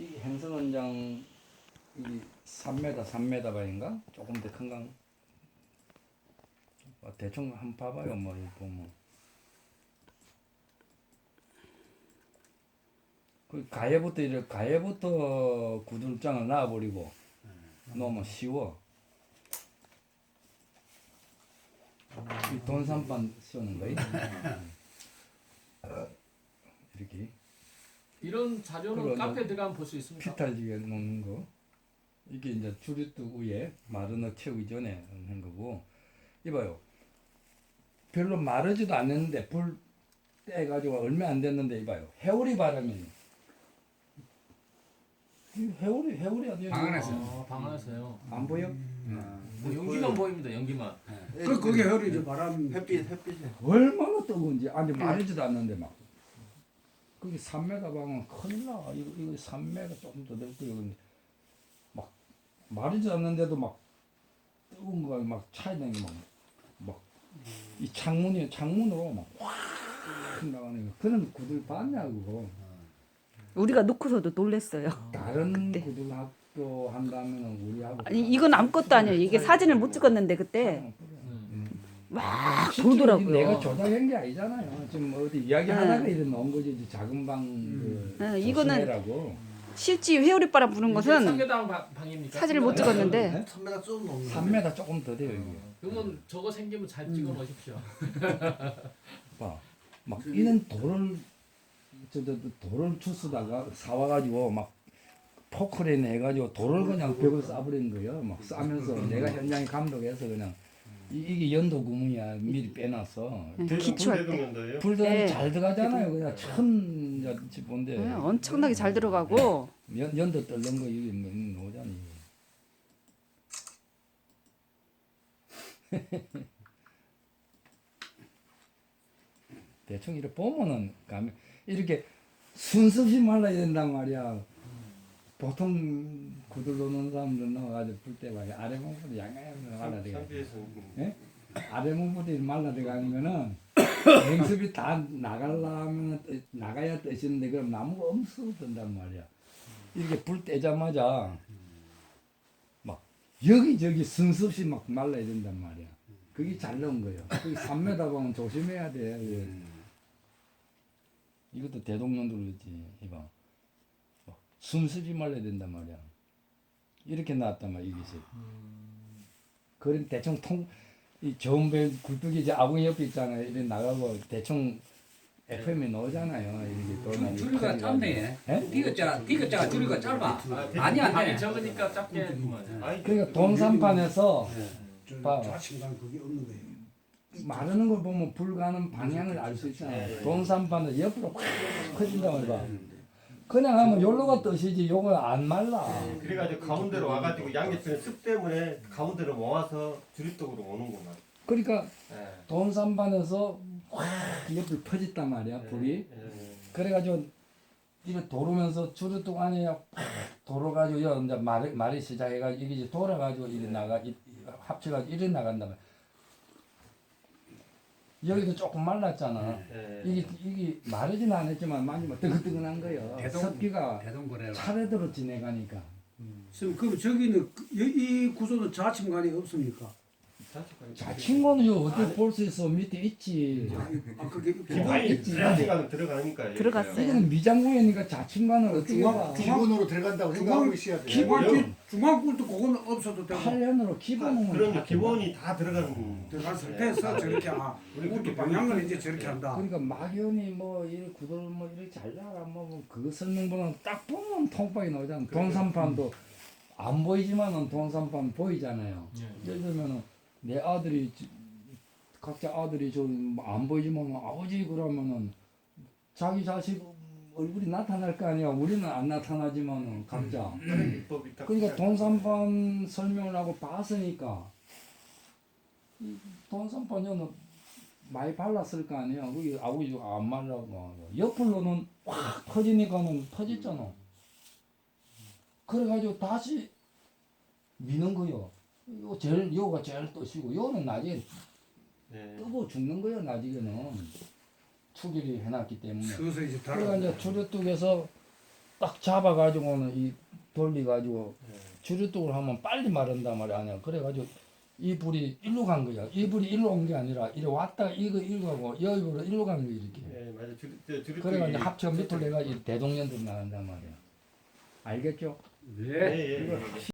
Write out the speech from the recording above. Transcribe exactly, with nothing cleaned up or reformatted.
이 행성원장 이 삼 미터 삼 미터 반인가? 조금 더 큰가? 어, 대충 한번 봐봐요. 뭐 이거 보면 그 가해부터 이렇게 가해부터 구들장을 놔버리고 너무 쉬워. 이 돈산반 쏘는 거예요. 이렇게 이런 자료는 그리고 카페에 들어가면 볼 수 있습니까? 피탈지게 놓는 거. 이게 이제 주류뚝 위에 마르너 채우기 전에 한 거고. 이봐요. 별로 마르지도 않았는데 불 떼가지고 얼마 안 됐는데 이봐요. 해오리 바람이. 이 해오리 해오리 아니에요? 방 안에서. 아, 방 안에서요. 안 보여? 뭐 연기만 보입니다. 연기만. 그 그게 혈이죠. 바람 햇빛 햇빛에 얼마나 뜨거운지 아니 마르지도 않는데 막. 그게 삼 미터 방은 큰일 나. 이거 이거 삼 미터 조금 더 될 거예요. 근데 막 마르지 않는데도 막 뜨거운 거가 막 차이나는 게막막 이 창문이 창문으로 막확 나가는 거. 그런 구들 봤냐고. 우리가 놓고서도 놀랬어요. 다른 그때. 구들 학교 한다면은 우리하고 아니 이건 아무것도 아니에요. 이게 사진을 못 찍었는데 그때 막 돌더라고요. 내가 조작한 게 아니잖아요. 지금 어디 이야기하다가 이런 나온 거지. 이제 작은 방 그 네, 이거는 조심해라고. 실제 회오리바람 부는 이게 것은 삼계당 방- 방입니까? 사진을 못 찍었는데 삼 미터 좀 넘는 삼 미터 조금 더 돼요 이게. 그러면 저거 생기면 잘 찍어 놓으십시오. 봐. 막 이런 돌을 저, 저 돌을 주스다가 사와가지고 막 포크레인 해가지고 돌을 그냥 벽을 쏴버린 거예요. 막 쏴면서 내가 현장에 감독해서 그냥 이, 이게 연도 구멍이야 미리 빼놨어. 기초할 때 불 들어가면 네. 잘 들어가잖아요. 그냥 천 집본데 네, 엄청나게 잘 들어가고 연 연도 떨는 거 이게 뭐 노잖니. 대충 이렇게 보면은 가면 이렇게 순서없이 말라야 된단 말이야. 보통 구들 놓는 사람들 나와가지고 불때 말이야 아래 몸부터 양양양 말라들어가. 예? 아래 몸부터 말라 들어가면은 냉습이 다 나가려면 나가야 뜨시는데 그럼 나무가 엄청 든단 말이야. 이렇게 불 떼자마자 막 여기저기 순서없이 막 말라야 된단 말이야. 그게 잘 나온 거예요. 그게 삼 미터 보면 조심해야 돼. 예. 이것도 대동령도 그렇지. 이봐. 막 순수지 말라야 된단 말이야. 이렇게 나왔단 말이야. 이것이. 그럼 대충 통, 이 좋은 배 굴뚝이 이제 아궁이 옆에 있잖아요. 이렇게 나가고 대충 에프엠이 나오잖아요. 이렇게 돌아다니고. 줄이가 짧네. 예? 디귿자, 디귿자가 줄이가 짧아. 아, 많이 안 방이 돼. 적으니까 작게 했구만. 그러니까 돈산판에서 저 봐. 자신감 그게 없는 거예요. 마르는 걸 보면 불 가는 방향을 알 수 있잖아요. 돈산판은 옆으로 확 커진단 말이야. 그냥 하면 요로가 뜨시지 요거 안 말라. 그래가지고 가운데로 와가지고 양옆에는 습 때문에 가운데로 모아서 주립독으로 오는구만. 그러니까 예. 돈산판에서 확 옆을 퍼졌단 말이야 불이. 예. 그래가지고 이거 도르면서 주류뚝 안에 확 돌아가지고 여 이제 말이 말이 시작해가지고 이게 이제 돌아가지고 이래 나가 이- 합쳐가지고 이래 나간단 말이야. 여기도 조금 말랐잖아. 예. 이게 이게 마르진 않았지만 만지면 뜨끈뜨끈한 거예요. 대동- 습기가 대동거래라. 차례대로 지내가니까. 선생님 그럼 저기는 그- 이- 이 구조는 자침관이 없습니까? 자친구는 요 어디 볼 수 있어 밑에 있지. 아 그게 기본이 자신감은 들어가니까. 들어갔어요. 이거는 미장구이니까 자친구는 어떻게 중앙- 봐? 중앙- 기본으로 들어간다고 생각하고 있어야 돼. 중앙 중앙불도 그거는 없어도 되고 팔 년으로 기본은 그러면 다 기본이 다 들어가는. 들어간 상태에서 저렇게 아 우리 방향을 이제 저렇게 한다. 그러니까 막연히 뭐 이 구들 뭐 이렇게 잘 나가 뭐그 설명보다는 딱 보면 통박이 나오잖아. 돈산판도 안 보이지만은 돈산판 보이잖아요. 예를 들면은 내 아들이 지- 각자 아들이 좀 안 보이지만 아버지 그러면은 자기 자식 얼굴이 나타날 거 아니야. 우리는 안 나타나지만은 각자. 비법이 딱. 그러니까 돈산판 설명을 하고 봤으니까 이 돈산판에는 많이 발랐을 거 아니야. 그게 아버지가 안 말라고 옆으로는 확 퍼지니까는 퍼졌잖아. 그래가지고 다시 미는 거요. 요 제일 요가 제일 뜨시고 요는 나중에 예. 뜨고 죽는 거예요. 나중에는 추기를 해놨기 때문에. 서서 이제 그러니까 달아. 이제 주류뚝에서 딱 잡아가지고는 이 돌려가지고 네. 주류독으로 하면 빨리 마른단 말이야. 아니야. 그래가지고 이 불이 일로 간 거야. 이 불이 일로 온 게 아니라 이리 왔다가 이거 일로 가고 여기 불이 일로 간 거야 이렇게. 예, 맞아. 주류 주류 그래가지고 합쳐 밑으로 내가 이 대동년들 나간단 말이야. 알겠죠? 네. 예, 예, 예.